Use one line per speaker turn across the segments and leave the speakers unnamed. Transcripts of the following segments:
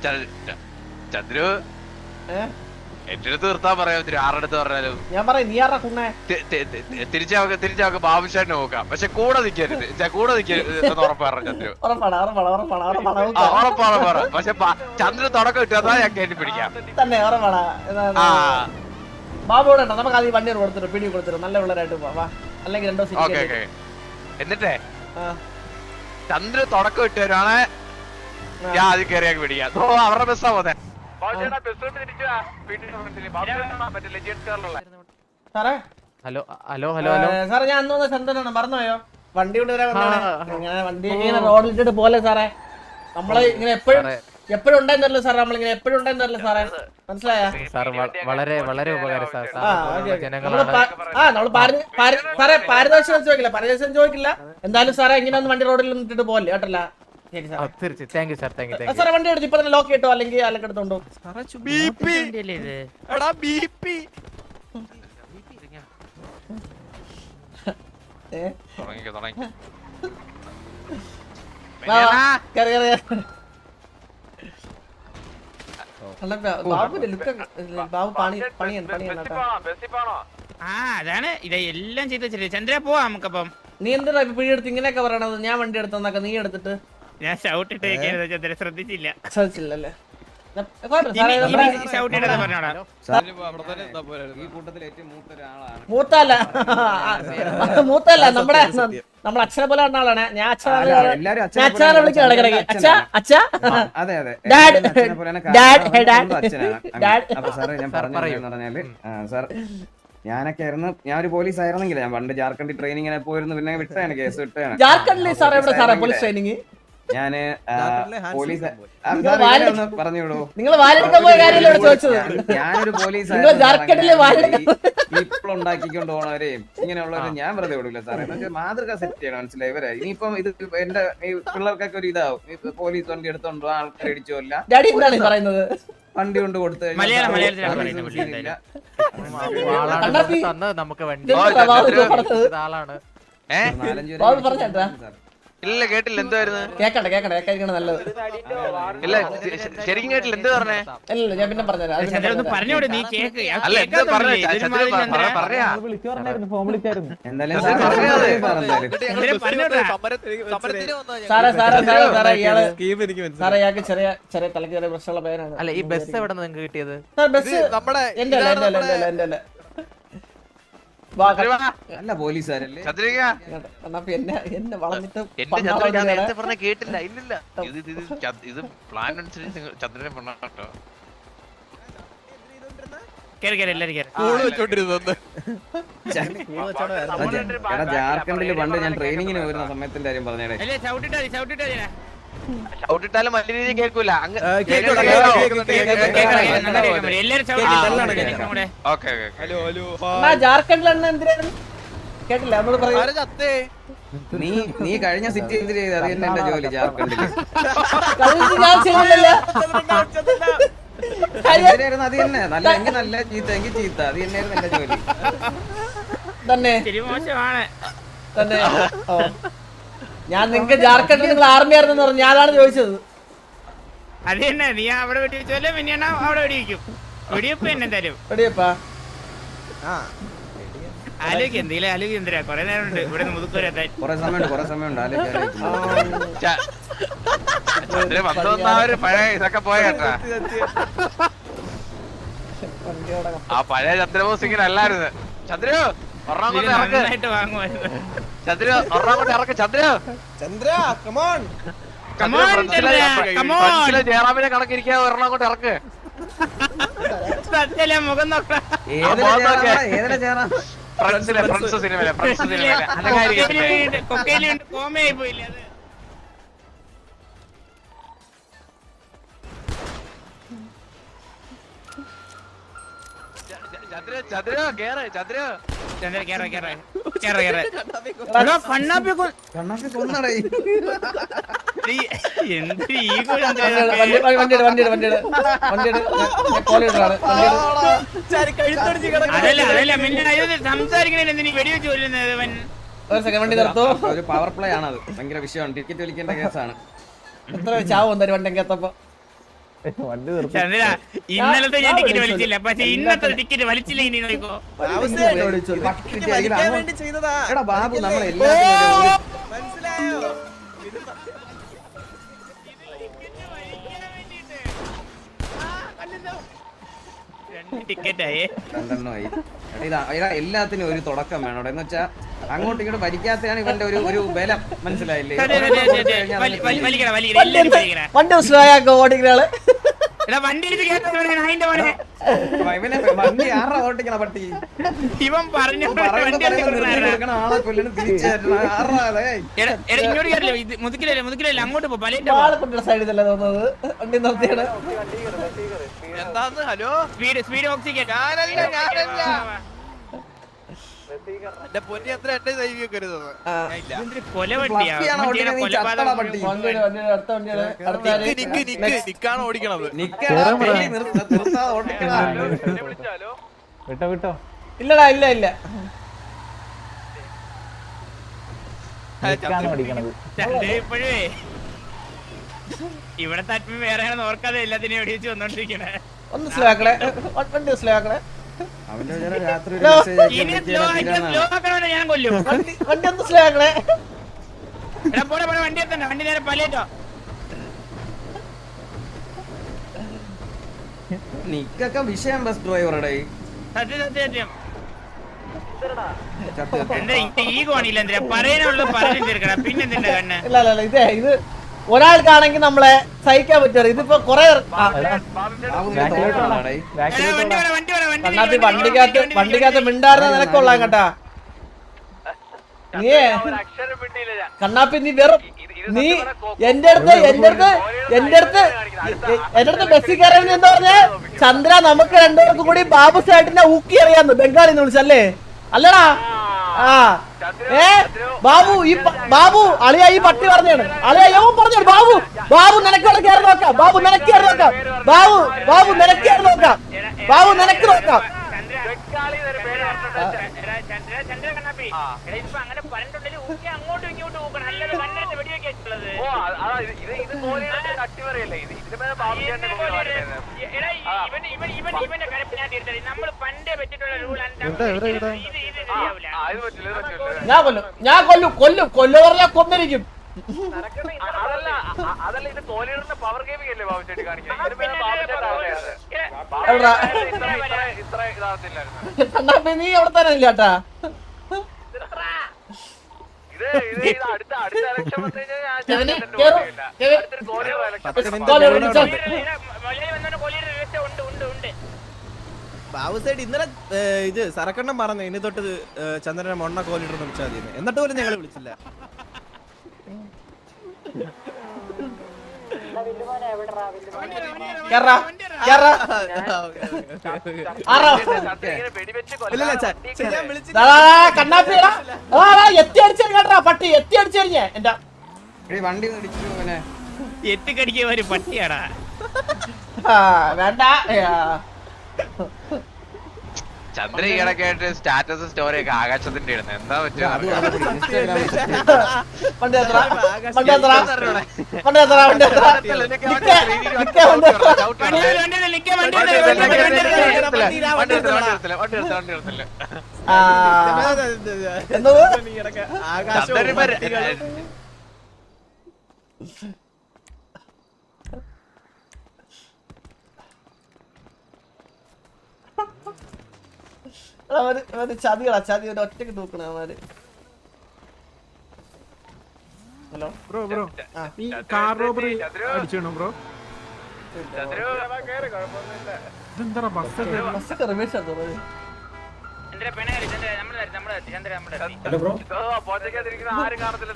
ചന്ദ്രു എന്റെ അടുത്ത് നിർത്താൻ പറയാം. ആറടുത്ത് പറഞ്ഞാലും
ഞാൻ പറയാം നീ ആറാ കുണ്ണേ
തിരിച്ചു ബാബുഷാനെ നോക്കാം. പക്ഷെ കൂടെ നിക്കരുത്, കൂടെ നിക്കരുത് ഉറപ്പ് പറഞ്ഞു ചന്ദ്രു. ഉറപ്പാണ്. പക്ഷെ ചന്ദ്രൻ തുടക്കം ഇട്ടാ ഞാൻ കയറ്റി പിടിക്കാം
തന്നെ. ഉറപ്പാടാ. ബാബുവിടെ നമുക്ക് ആദ്യം വണ്ടി കൊടുത്തിട്ട് പിടി കൊടുത്തിട്ട് നല്ല പിള്ളേരായിട്ട് പോവാ. അല്ലെങ്കിൽ 2 ദിവസം
എന്നിട്ടേ ചന്ദ്ര തുടക്കം ഇട്ടവരാണ് ഞാൻ ആദ്യം കയറിയാക്കി പിടിക്കാം. അവരുടെ ബസ്സാ പോന്നെ.
സാറേ
ഹലോ ഹലോ ഹലോ ഹലോ
സാറേ ഞാൻ അന്ന് ചന്ദ്രനാണ് മറന്നുപോയോ? വണ്ടി കൊണ്ടുവരാൻ ഇങ്ങനെ വണ്ടി ഇങ്ങനെ റോഡിലിട്ടിട്ട് പോലെ സാറേ. നമ്മള് ഇങ്ങനെ എപ്പോഴും ഉണ്ടായിരുന്നല്ലോ സാറേ. നമ്മളിങ്ങനെ എപ്പോഴും ഉണ്ടായിരുന്നല്ലോ സാറേ. മനസ്സിലായോ
സാർ? വളരെ വളരെ ഉപകാരം സാർ.
നമ്മള് സാറേ പാരിതോഷികം ചോദിക്കില്ല. എന്തായാലും സാറേ ഇങ്ങനെ ഒന്ന് വണ്ടി റോഡിൽ ഇട്ടിട്ട് പോലെ കേട്ടല്ല. സാറേ വണ്ടി എടുത്ത് ഇപ്പൊ തന്നെ ലോക്ക് കിട്ടോ അല്ലെങ്കിൽ അലക്കെടുത്തോണ്ടോ?
അതാണ് ഇതെല്ലാം ചെയ്ത് വെച്ചിട്ട് ചന്ദ്ര പോവാ നമുക്കപ്പം.
നീ എന്താ പിടിയെടുത്ത് ഇങ്ങനെയൊക്കെ പറയണത്? ഞാൻ വണ്ടി എടുത്തെന്നൊക്കെ നീ എടുത്തിട്ട്
ഞാൻ ഷൗട്ട് ഇട്ടേക്കായിരുന്നു ചന്ദ്ര, ശ്രദ്ധിച്ചില്ല.
ശ്രദ്ധിച്ചില്ലല്ലേ? മൂത്തല്ല നമ്മുടെ അച്ഛനെ പോലെ പറഞ്ഞ ആളാണ്. ഞാൻ അച്ഛനെ വിളിക്കാം ഇടയ്ക്കിടയ്ക്ക്. അച്ഛാ അച്ഛാ ഡാഡ്
സാർ ഞാനൊക്കെ ആയിരുന്നു. ഞാൻ ഒരു പോലീസ് ആയിരുന്നെങ്കിൽ ഞാൻ പണ്ട് ജാർഖണ്ഡിൽ ട്രെയിനിങ്ങിനെ പോയിരുന്നു. പിന്നെ വിട്ടാണ് കേസ് വിട്ടാണ്.
ജാർഖണ്ഡിൽ സാർ എവിടെ സാറേ പോലീസ് ട്രെയിനിങ്?
ഞാന് പോലീസ് പറഞ്ഞോളൂ.
നിങ്ങൾ വാലെടുക്കാൻ പോയ കാര്യമല്ലേ ചോദിച്ചത്?
ഞാനൊരു പോലീസ് ഇപ്പോൾ ഉണ്ടാക്കിക്കൊണ്ട് പോണവരെയും ഇങ്ങനെയുള്ളവരെ ഞാൻ വെറുതെ വിടില്ല സാറേ. മാതൃക സെറ്റ് ചെയ്യണം, മനസ്സിലായി ഇവരെ. ഇനിയിപ്പം ഇത് എന്റെ പിള്ളേർക്കൊക്കെ ഒരു ഇതാവും. വണ്ടി എടുത്തോണ്ടോ ആൾക്കാർ അടിച്ചോല്ല വണ്ടി കൊണ്ട് കൊടുത്തു
നമുക്ക് വണ്ടി
ഇല്ല കേട്ടില്ല. എന്തായിരുന്നു?
കേക്കണ്ട നല്ലത്.
ഇല്ല ശരിക്കും കേട്ടില്ല. എന്ത് പറഞ്ഞേ?
അല്ല ഞാൻ പിന്നെ പറഞ്ഞുതരാം. സാറേ ഇയാൾക്ക് ചെറിയ തലക്ക് ചെറിയ പ്രശ്നമുള്ള പേരാണ്.
അല്ല ഈ ബസ് എവിടെ നിങ്ങൾക്ക് കിട്ടിയത്?
ബസ് എന്റെ അല്ല
അല്ല പോലീസുകാരല്ലേ
എന്നെ വളഞ്ഞിട്ട്
കേട്ടില്ല. ഇല്ലില്ല ഇത് പ്ലാൻ അനുസരിച്ച് ചന്ദ്രനെ പെണ്ണാട്ടോ.
ജാർഖണ്ഡില് പണ്ട് ഞാൻ ട്രെയിനിങ്ങിന് വരുന്ന സമയത്തിന്റെ കാര്യം പറഞ്ഞേ.
ഔട്ടിട്ടാലും വലിയ രീതിയിൽ കേൾക്കൂല.
ജാർഖണ്ഡിലാണ് എന്തിനാണ് കേട്ടില്ല?
നീ കഴിഞ്ഞ സിറ്റി എന്തിനു ചെയ്ത്? അത് തന്നെ എന്റെ ജോലി ജാർഖണ്ഡില്. അത് തന്നെ നല്ല എങ്കിൽ നല്ല ചീത്ത എങ്കിൽ ചീത്ത. അത് തന്നെയായിരുന്നു എന്റെ ജോലി
തന്നെ. ഞാൻ നിങ്ങക്ക് ജാർഖണ്ഡിൽ നിങ്ങൾ ആർമി ആയിരുന്നു പറഞ്ഞു. ഞാനാണ് ചോദിച്ചത്.
അത് തന്നെ നീ അവിടെ വെടി വെച്ചല്ലേ പിന്നെ അവിടെ വെടിവെക്കും. വെടിവെപ്പ് തന്നെ എന്തായാലും
വെടിവെപ്പാ
ആലോചിക്കും. എന്തെങ്കിലും ആലോചിക്കും. എന്തിനാ കൊറേ നേരം ഉണ്ട് ഇവിടെ മുതുക്കൂരെത്താൻ.
കൊറേ സമയമുണ്ട്
പഴയ ഇതൊക്കെ പോയേട്ടാ. ആ പഴയ ചന്ദ്രബോസ് ഇങ്ങനെ അല്ലായിരുന്നു. ചന്ദ്രു
നന്നായിട്ട് വാങ്ങുമായിരുന്നു.
ചന്ദ്ര ഒരെണ്ണം ഇറക്ക്. ജയറാമിനെ കണക്കിരിക്കാ. ഒരെണ്ണം കൊണ്ട് ഇറക്ക്.
മുഖം നോക്കാം.
ഫ്രണ്ട്സ് സിനിമയിലെ
കോമയായി പോയില്ല അത്.
ഒരു പവർ പ്ലേ ആണ്. അത് ഭയങ്കര വിഷയമാണ്. ടിക്കറ്റ് വലിക്കേണ്ട കേസാണ്.
എത്ര ചാവും വണ്ടി എത്തപ്പോ
ചന്ദ്ര ഇന്നലത്തെ ഞാൻ ടിക്കറ്റ് വലിച്ചില്ല, പക്ഷെ ഇന്നത്തെ ടിക്കറ്റ് വലിച്ചില്ല. ഇനി നോക്കോ
എടാ ബാബു നമ്മളെല്ലാത്തിനും
ടിക്കറ്റായേ
2 ആയി. എടാ എല്ലാത്തിനും ഒരു തുടക്കം വേണം. എന്ന് വെച്ചാ അങ്ങോട്ടും ഇങ്ങോട്ട് ഭരിക്കാത്തതാണ് ഇവന്റെ ഒരു ബലം, മനസ്സിലായില്ലേ?
വണ്ടി ഓടിക്കുന്നയാള്
വണ്ടി അതിന്റെ പോലെ
ഇവനെ വണ്ടി ആറാ ഓട്ടിക്കണ പട്ടി.
ഇവൻ പറഞ്ഞു
ആളെ കൊല്ലണം തിരിച്ചു ആറാതെ
ഇങ്ങോട്ട് കയറില്ല. ഇത് മുതുക്കിലല്ലേ അങ്ങോട്ട് പോ. പല
സൈഡിൽ തന്നെ തോന്നുന്നത് വണ്ടി നിർത്തിയാണ്.
എന്താന്ന്? ഹലോ,
സ്പീഡ് ഓക്സിജൻ
എന്റെ പൊന്നി അത്ര എന്റെ ദൈവികരുത്. നിക്കാണ് ഓടിക്കണത്.
വിട്ടോ
ഇല്ലടാ ഇല്ല
ഇപ്പോഴേ ഇവിടെ തട്ടി വേറെ ഓർക്കാതെ എല്ലാത്തിനും എവിടെ വെച്ച് വന്നോണ്ടിരിക്കണേ.
ഒന്ന് സ്ലോ ആക്കണേ, വണ്ടി സ്ലോ ആക്കണേ.
അവന്റെ രാത്രി
ഞാൻ കൊല്ലും.
വണ്ടി ഒന്ന് സ്ലോ ആക്കണേ.
പോടെ വണ്ടി എത്തണ്ട, വണ്ടി നേരെ പലേറ്റോ.
നിക്കൊക്കെ വിഷയം ബസ് ഡ്രൈവറുടെ
സത്യം എന്താ ഈഗോ ആണില്ല. എന്തിനാ പറയാനുള്ളത് പറഞ്ഞു തീർക്കണം. പിന്നെന്തിന്റെ കണ്ണ്
ഇല്ല ഇത് ഒരാൾക്കാണെങ്കിൽ നമ്മളെ സഹിക്കാൻ പറ്റുമോ? ഇതിപ്പോ കൊറേ വണ്ടിക്കകത്ത് മിണ്ടാറുന്ന നിനക്കൊള്ളാം കേട്ടാ. നീ കണ്ണാപ്പി നീ വെറും നീ എന്റെ അടുത്ത് ബസ്സിൽ കയറി എന്താ പറഞ്ഞേ? ചന്ദ്ര നമുക്ക് രണ്ടുപേർക്കും കൂടി ബാബു സേട്ടിനെ ഊക്കി അറിയാന്ന് ബംഗാളിന്ന് വിളിച്ചല്ലേ? അല്ലടാ ബാബു അളിയ ഈ പട്ടി പറഞ്ഞാണ്. അളിയ യവൻ പറഞ്ഞാണ് ബാബു നിനക്ക് അവിടെ കയറി നോക്കാം. ബാബു നിനക്ക് കയറി നോക്കാം. ബാബു നിനക്ക് കയറി നോക്കാം. ബാബു നിനക്ക് നോക്കാം.
അങ്ങനെ പറഞ്ഞിട്ടുണ്ടെങ്കിൽ അങ്ങോട്ടും ഇങ്ങോട്ടും നോക്കണം. അല്ലാതെ കണ്ണിട്ട് വെടിവെക്കുള്ളത് ഇവന്റെ കരപ്പ് ഞാൻ തീർച്ചയായും. നമ്മൾ പണ്ടേ വെച്ചിട്ടുള്ള റൂൾ
ഞാൻ കൊല്ലു പറഞ്ഞാൽ കൊന്നിരിക്കും. കണ്ണാപ്പി നീ അവിടെ തന്നെ ഇല്ലാട്ടാ.
ബാബു സൈഡ് ഇന്നലെ ഇത് സരക്കണ്ണം പറഞ്ഞു ഇനി തൊട്ട് ചന്ദ്രനെ മൊണ്ണ കോലിട്ട് വിളിച്ചാൽ മതി. എന്നിട്ട് പോലും ഞങ്ങൾ വിളിച്ചില്ല.
കണ്ണാപ്പിടാ എത്തി അടിച്ചു കേട്ടാ. പട്ടി എത്തി അടിച്ചറിഞ്ഞ എന്റെ
വണ്ടി
എത്തിക്കടിക്കാൻ ഒരു പട്ടിയാടാ.
വേണ്ട
ചന്ദ്ര ഈയിടക്കായിട്ട് സ്റ്റാറ്റസ് സ്റ്റോറി ഒക്കെ ആകാശത്തിന്റെ ഇടുന്നത് എന്താ പറ്റുക?
ചതി ഒറ്റക്ക് തൂക്കണ അവന്മാര്. ഹലോ
ബ്രോ ഈ കാർ റോബറി അടിച്ചോ ബ്രോ? ഇതെന്താ ബസ്
റിവേഴ്സ്
ആരും കാണത്തില്ല.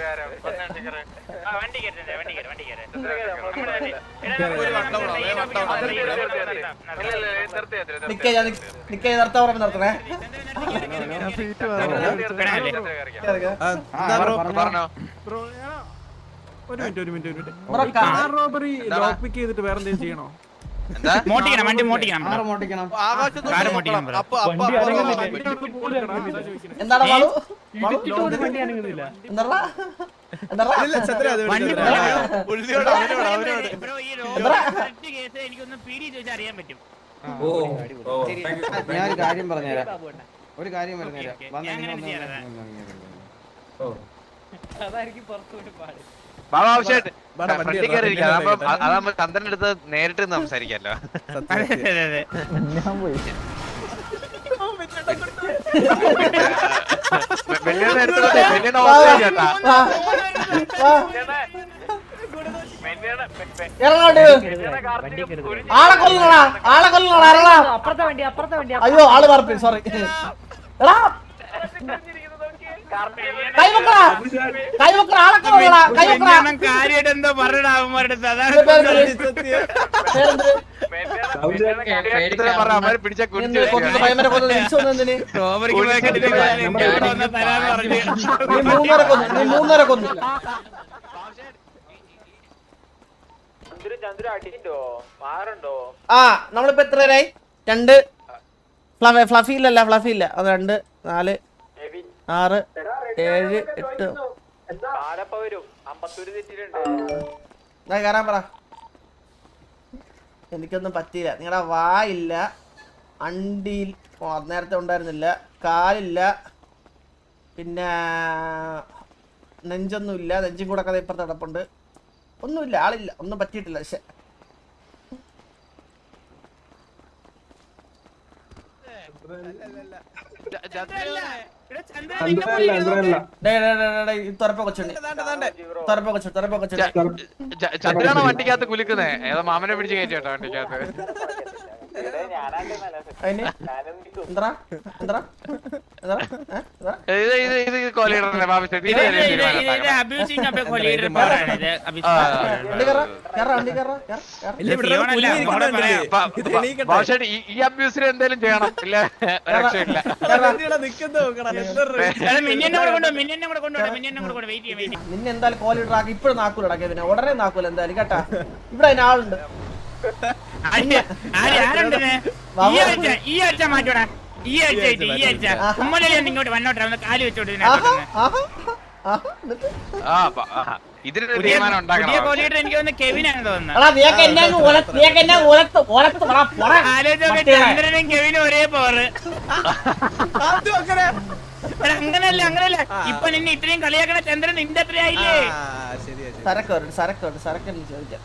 നിർത്തണേ.
ബ്രോ ഒരു minute car robbery lock pick ചെയ്തിട്ട് വേറെ എന്തെങ്കിലും ചെയ്യണോ?
എന്താ
മോട്ടിക്കണം വണ്ടി മോട്ടിക്കണം
കാറ് മോട്ടിക്കണം.
കാറ് മോട്ടിക്കണം ബ്രോ.
എന്താണ് മാളു എന്താ എന്താ
ഇല്ല, ചന്ദ്ര, അത് വിട്,
വണ്ടി
ചന്ദ്ര.
ബ്രോ ഈ റോഡ് കറക്റ്റ് കേസ് എനിക്കൊന്ന് പീഡി ചോദിച്ചാൽ അറിയാൻ പറ്റും.
ഞാൻ ഒരു കാര്യം പറഞ്ഞുതരാം. ഒരു കാര്യം പറഞ്ഞുതരാം.
ഓക്കേ,
വന്ന്
ഞാൻ
ഇങ്ങനെ
അങ്ങനെ ചെയ്യാം.
ബാബു ആവശ്യമായിട്ട്
വേണ്ട, വണ്ടി
ഫ്രണ്ടിൽ
ഇടാം,
കയറി ഇരിക്കാം.
വണ്ടി
അതാകുമ്പോ അതാകുമ്പോ ചന്ദ്രന്റെ അടുത്ത് നേരിട്ട് നിന്ന് സംസാരിക്കാമല്ലോ.
സത്യം.
അതെ അതെ
വെള്ളിയുടെ അടുത്ത് വെള്ളിയുടെ ഓർമ്മ കേട്ടാ.
ആളെ കൊല്ലണടാ ആളെ കൊല്ലണടാ ഇറങ്ങടാ. അയ്യോ ആള് പറപ്പി സോറി എടാ കൈവക്കടാ കൈവക്കടാ ആളെ കൊല്ലണടാ കൈവക്കടാ.
കാര്യമായിട്ട് എന്തോ പറഞ്ഞിടാ അവന്മാരുടെ അടുത്ത്. അതാണ്
അവര് പിടിച്ച കുടിച്ചു
പയ്യന്മാരെ കൊന്നത് തിരിച്ചു വന്നതിന്
റോബറിക്ക് പോയൊക്കെ ഇതിന്റെ കാര്യം ഇവിടെ വന്ന് തരാന്ന് പറഞ്ഞു.
നീ മൂന്നര കൊന്നു ആ നമ്മളിപ്പോ എത്ര പേരായി? 2 ഫ്ലഫി ഇല്ല അത് 2 4 6 7 8 കയറാൻ പറ. എനിക്കൊന്നും പറ്റിയില്ല. നിങ്ങളുടെ വായില്ല, അണ്ടിയിൽ നേരത്തെ ഉണ്ടായിരുന്നില്ല, കാലില്ല, പിന്നെ നെഞ്ചൊന്നുമില്ല, നെഞ്ചും കൂടെ കഥ ഇപ്പുറത്ത് കിടപ്പുണ്ട്. ഒന്നുമില്ല, ആളില്ല, ഒന്നും പറ്റിയിട്ടില്ല. പക്ഷെ തുറപ്പ കൊച്ചുണ്ട്
ചന്ദ്രനാണോ വണ്ടിക്കകത്ത് കുലുക്കുന്നേ? ഏതോ മാമനെ പിടിച്ച് കയറ്റി കേട്ടോ വണ്ടിക്കകത്ത്. ഇത് കോലീഡറിന്റെ ബാബു ചേട്ടൻ ഇത് ചെറിയ തീരുമാനം ബാബുശേട്ട് ഈ അബ്യൂസിന് എന്തെങ്കിലും ചെയ്യണം. ഇല്ല രക്ഷയില്ല.
നിന്നെ എന്തായാലും കോലിഡർ ആക്കി ഇപ്പഴും നാക്കൂല ഇടയ്ക്ക്. പിന്നെ ഉടനെ നാക്കൂല എന്തായാലും കേട്ടാ. ഇവിടെ അതിന് ആളുണ്ട്.
ഈ ആഴ്ച മാറ്റോടാ. ഈ ആഴ്ച ഉമ്മലല്ലേ ഇങ്ങോട്ട് വന്നോട്ടെ കാല് വെച്ചോട്ട്.
ഇതിനൊരു തീരുമാനം ഉണ്ടാക്കണം.
എനിക്ക് തോന്നുന്നു കെവിനാണ് തോന്നുന്നത്. ചന്ദ്രനും കെവിനും ഒരേ പവർ. അങ്ങനല്ല ഇപ്പൊ നിന്നെ ഇത്രയും കളിയാക്കണ ചന്ദ്രൻ നിന്റെ അത്രയായില്ലേ?
സരക്കുണ്ട് ചോദിക്കാം.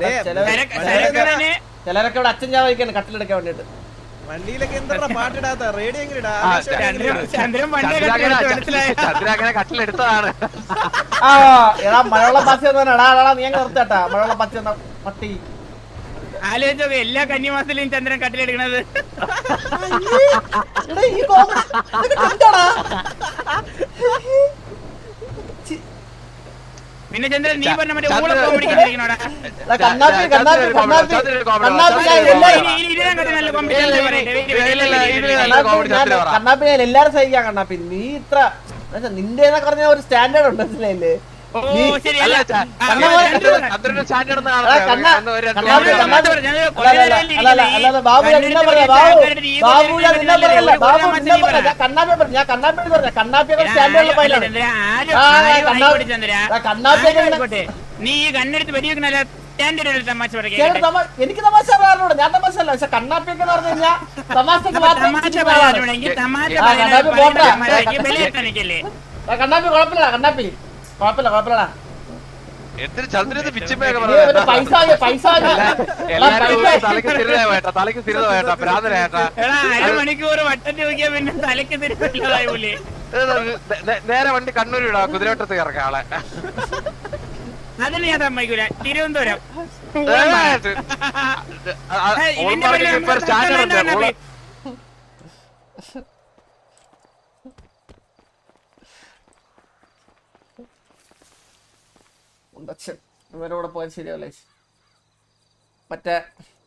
ചിലരൊക്കെ ഇവിടെ അച്ഛൻ ചാവയ്ക്കാണ് കട്ടിലെടുക്കാൻ വേണ്ടിട്ട്.
വണ്ടിയിലൊക്കെ എന്താ പാട്ടിടാത്ത റേഡിയോ എങ്ങനെ ഇടാ?
ചന്ദ്രൻ
ചന്ദ്രങ്ങനെ കട്ടിലെടുത്തതാണ്.
ആ എടാ മഴവെള്ളം പച്ച എടാ നീ അങ്ങ് നിർത്താട്ടാ. മഴവെള്ളം പച്ച പട്ടി
ആലോചിച്ചോ എല്ലാ കന്നിമാസത്തിലും ചന്ദ്രൻ കട്ടിലെടുക്കണത്. പിന്നെ ചന്ദ്രൻ നീ പറഞ്ഞ മറ്റേ ഊള കോമഡിക്കോടാ.
കണ്ണാപ്പി എല്ലാരും സഹിക്കാം. കണ്ണാപ്പി നീ ഇത്ര നിന്റെ പറഞ്ഞ ഒരു സ്റ്റാൻഡേർഡ് ഉണ്ട് മനസ്സിലായില്ലേ?
നീ ഈ കണ്ണെടുത്ത് വെടിവെക്കണല്ല സ്റ്റാൻഡേർഡ് തമാശ പറയാ.
എനിക്ക് തമാശ പറയാറുണ്ട്. ഞാൻ തമാശ അല്ല. പക്ഷെ കണ്ണാപ്പിയൊക്കെ പറഞ്ഞു കഴിഞ്ഞാൽ തമാശക്ക് കണ്ണാപ്പി കുഴപ്പമില്ല. കണ്ണാപ്പി കുഴപ്പമില്ലടാ.
എന്തൊരു ചന്ദ്രന് പിച്ചിമ്മയൊക്കെ
പൈസ
തലക്ക് സ്ഥിരത ഭ്രാന്തരേട്ടാ.
അരമണിക്കൂർ വട്ടത്തി നോക്കിയാ പിന്നെ തലക്ക് തിരിച്ചില്ലതായി പോലെ.
നേരെ വണ്ടി കണ്ണൂർ ഇടാ, കുതിരവട്ടത്ത് ഇറക്കാം ആളെ.
അതിന് ഞാൻ സമ്മതിക്കൂല. തിരുവനന്തപുരം
സ്റ്റാൻഡേർഡ്
ഇവരോടെ പോയാൽ ശരിയാവില്ലേ? മറ്റേ